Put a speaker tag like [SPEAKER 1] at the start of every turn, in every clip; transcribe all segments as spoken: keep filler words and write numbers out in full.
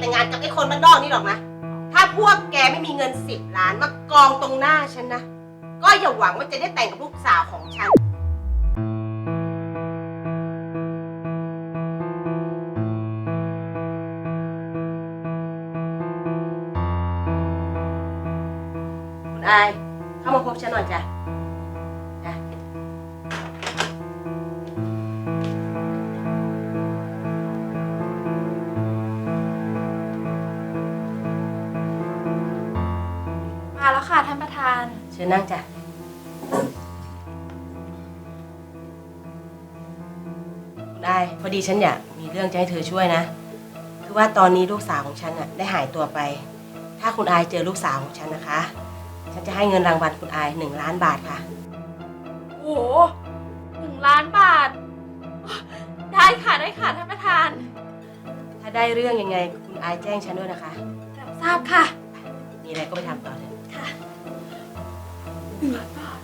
[SPEAKER 1] แต่งงานกับไอ้คนบ้านนอกนี่หรอกนะถ้าพวกแกไม่มีเงินสิบล้านมากองตรงหน้าฉันนะก็อย่าหวังว่าจะได้แต่งกับลูกสาวของฉันคุณอายเข้ามาพบฉันหน่อยจ้ะจ้ะ
[SPEAKER 2] มาแล้วค่ะท่านประธาน
[SPEAKER 1] เชิญนั่งจ้ะคุณอายพอดีฉันอยากมีเรื่องจะให้เธอช่วยนะคือว่าตอนนี้ลูกสาวของฉันน่ะได้หายตัวไปถ้าคุณอายเจอลูกสาวของฉันนะคะฉันจะให้เงินรางวัลคุณอายหนึ่งล้านบาทค่ะ
[SPEAKER 2] โอ้โหหนึ่งล้านบาทได้ค่ะได้ค่ะท่านประธาน
[SPEAKER 1] ถ้าได้เรื่องยังไงคุณอายแจ้งฉันด้วยนะคะ
[SPEAKER 2] รับทราบค่ะ
[SPEAKER 1] มีอะไรก็ไปทำต่อเลย
[SPEAKER 2] ค่ะหนึ่งล้านบาท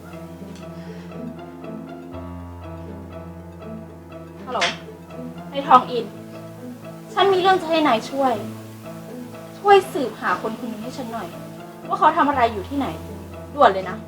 [SPEAKER 2] ฮัลโหลในทองอินฉันมีเรื่องจะให้นายช่วยช่วยสืบหาคนคนนี้ให้ฉันหน่อยว่าเขาทำอะไรอยู่ที่ไหนด่วนเลยนะ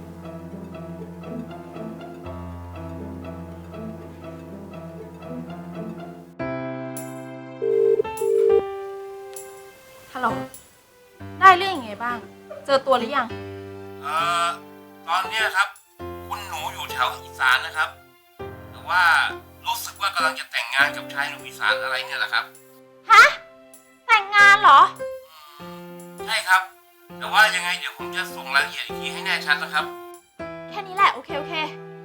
[SPEAKER 2] ฮัลโหลได้เรื่องยังไงบ้างเจอตัวหรือยัง
[SPEAKER 3] เอ่อตอนเนี้ยครับคุณหนูอยู่แถวอีสานนะครับแต่ว่ารู้สึกว่ากำลังจะแต่งงานกับชายหนุ่มอีสานอะไรเนี่ยแหละครับ
[SPEAKER 2] ฮะแต่งงานเหรอ
[SPEAKER 3] ใช่ครับแต่ว่ายังไงเดี๋ยวผมจะส่งรายละเอียดอีกทีให้แน่ชัดนะครับ
[SPEAKER 2] แค่นี้แหละโอเคโอเค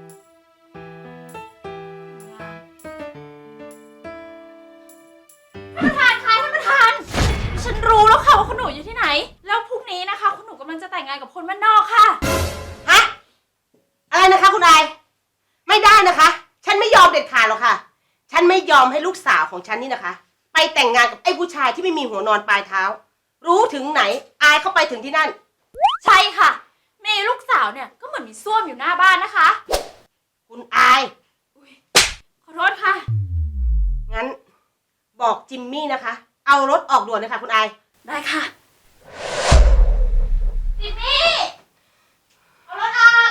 [SPEAKER 2] ท่านประธานคะท่านประธานฉันรู้แล้วค่ะว่าคุณหนูอยู่ที่ไหนแล้วพรุ่งนี้นะคะคุณหนูกำลังจะแต่งงานกับคนบ้านนอกค่ะ
[SPEAKER 1] ฮะอะไรนะคะคุณนายไม่ได้นะคะฉันไม่ยอมเด็ดขาดหรอกค่ะฉันไม่ยอมให้ลูกสาวของฉันนี่นะคะไปแต่งงานกับไอ้ผู้ชายที่ไม่มีหัวนอนปลายเท้ารู้ถึงไหนอายเข้าไปถึงที่นั่น
[SPEAKER 2] ใช่ค่ะมีลูกสาวเนี่ยก็เหมือนมีส้วมอยู่หน้าบ้านนะคะ
[SPEAKER 1] คุณอาย
[SPEAKER 2] ขอโทษค่ะ
[SPEAKER 1] งั้นบอกจิมมี่นะคะเอารถออกด่วนเลยค่ะคุณอาย
[SPEAKER 2] ได้ค่ะจิมมี่เอารถออก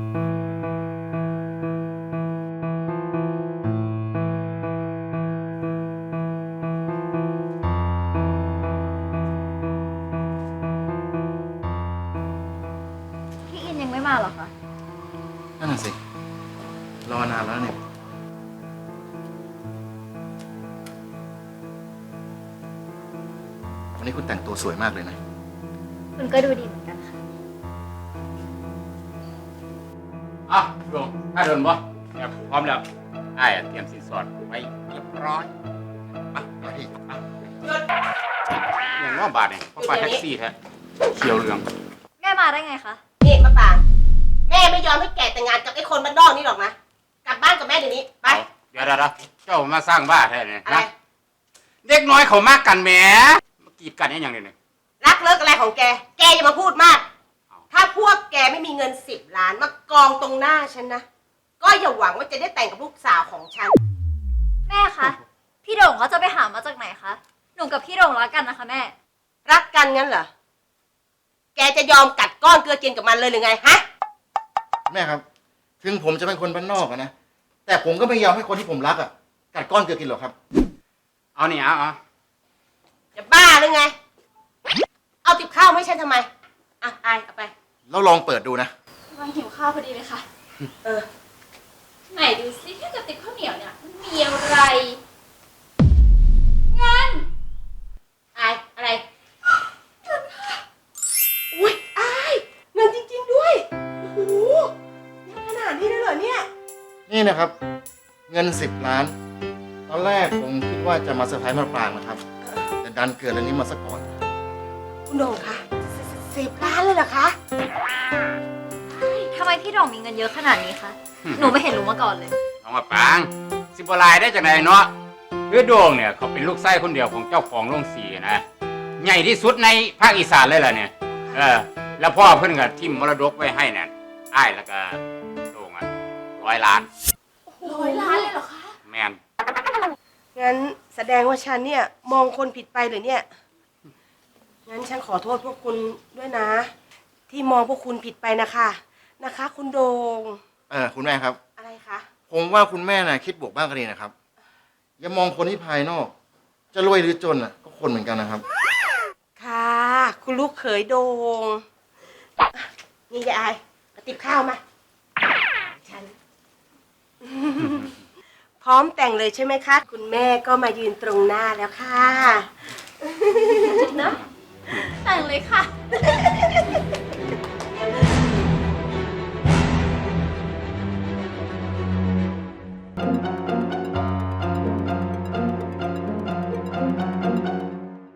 [SPEAKER 2] พี่อินยังไม่มาหรอคะ
[SPEAKER 4] นั่นน่ะสิรอนานแล้วเนี่ยวันนี้คุณแต่งตัวสวยมากเลยนะ
[SPEAKER 2] คุณก็ดูดีเหมือนกันค่ะ
[SPEAKER 3] อ่ะดวงถ้าเดินบ่เนี่ยพร้อมแล้วไอ้เตรียมสินสอดไว้เรียบร้อยมามาที่อ่ะหยุดอย่างว่าบาทเนี่ยเขาไปแท็กซี่แท้เขียวเหลือง
[SPEAKER 2] แม่มาได้ไงคะ
[SPEAKER 1] นี่มะปางแม่ไม่ยอมให้แกแต่งงานกับไอ้คนบ้านนอกนี่หรอกนะกลับบ้านกับแม่เดี๋ยวนี้ไป
[SPEAKER 3] เดี๋ยวเดี๋ยวเจ้ามาสร้างบ้าแท้เนี่ยนะเด็กน้อยเขามากกันแหมมากีดกันอย่างนี้เนี่ย
[SPEAKER 1] รักเลิกอะไรของแกแกอย่ามาพูดมากถ้าพวกแกไม่มีเงินสิบล้านมากองตรงหน้าฉันนะก็อย่าหวังว่าจะได้แต่งกับลูกสาวของฉัน
[SPEAKER 2] แม่คะพี่โด่งเขาจะไปหามาจากไหนคะหนูกับพี่โด่งรักกันนะคะแม่
[SPEAKER 1] รักกันงั้นเหรอแกจะยอมกัดก้อนเกลือกินกับมันเลยหรือไงฮะ
[SPEAKER 4] แม่ครับถึงผมจะเป็นคนบ้านนอกนะแต่ผมก็ไม่ยอมให้คนที่ผมรักอ่ะกัดก้อนเกลือกินหรอกครับ
[SPEAKER 3] เอาเนี่ยเอาเอา
[SPEAKER 1] จะบ้าหรือไงเอาติบข้าวไม่ใช่ทำไมอ่ะอายเอาไป
[SPEAKER 4] แล้วลองเปิดดูนะ
[SPEAKER 2] กำลังหิวข้าวพอดีเลยค่ะ
[SPEAKER 1] เออ
[SPEAKER 2] ไหนดูซิที่กระติกข้าวเหนียวเนี่ยมันมีอะไรเงิน
[SPEAKER 1] อายอะไรเงินค่ะอุ้ยอายเงินจริงๆด้วยโอ้โหขนาดนี้เลยเหรอเนี่ย
[SPEAKER 4] นี่นะครับเงินสิบล้านตอนแรกผมคิดว่าจะมาเซอร์ไพรส์มาปรางนะครับแต่ดันเกิดเรื่องนี้มาซะก่อน
[SPEAKER 1] คุณโด่งคะสิบล้านเลยเหรอคะ
[SPEAKER 2] ทำไมพี่โด่งมีเงินเยอะขนาดนี้คะหนูไม่เห็นรู้มาก่อนเลย
[SPEAKER 3] เอามาปางสิบลายได้จากไหนเนาะคือโด่งเนี่ยเขาเป็นลูกไส้คนเดียวของเจ้าของโรงสีนะใหญ่ที่สุดในภาคอีสานเลยล่ะเนี่ยเออแล้วพ่อเพิ่นก็ทิ่มมรดกไว้ให้เนี่ยอ้ายแล้วก็โด่งอ่ะร้อยล้าน
[SPEAKER 2] ร้อยล้านเลยเหรอคะ
[SPEAKER 3] แมน
[SPEAKER 1] งั้นแสดงว่าฉันเนี่ยมองคนผิดไปเหรือเนี่ย งั้นฉันขอโทษพวกคุณด้วยนะ ที่มองพวกคุณผิดไปนะคะนะคะ คุณโดง
[SPEAKER 4] เออคุณแม่ครับ
[SPEAKER 1] อะไรคะ
[SPEAKER 4] ผมว่าคุณแม่น่ะคิดบวกบ้างก็ดีนะครับ อย่ามองคนที่ภายนอก จะรวยหรือจนอ่ะก็คนเหมือนกันนะครับ
[SPEAKER 1] ค่ะ คุณลูกเขยโดงอ่ะนี่ยายกระติบข้าวมา ฉัน พร้อมแต่งเลยใช่ไหมคะ คุณแม่ก็มายืนตรงหน้าแล้วค่ะ เนอะ
[SPEAKER 2] แต่งเลยค่ะ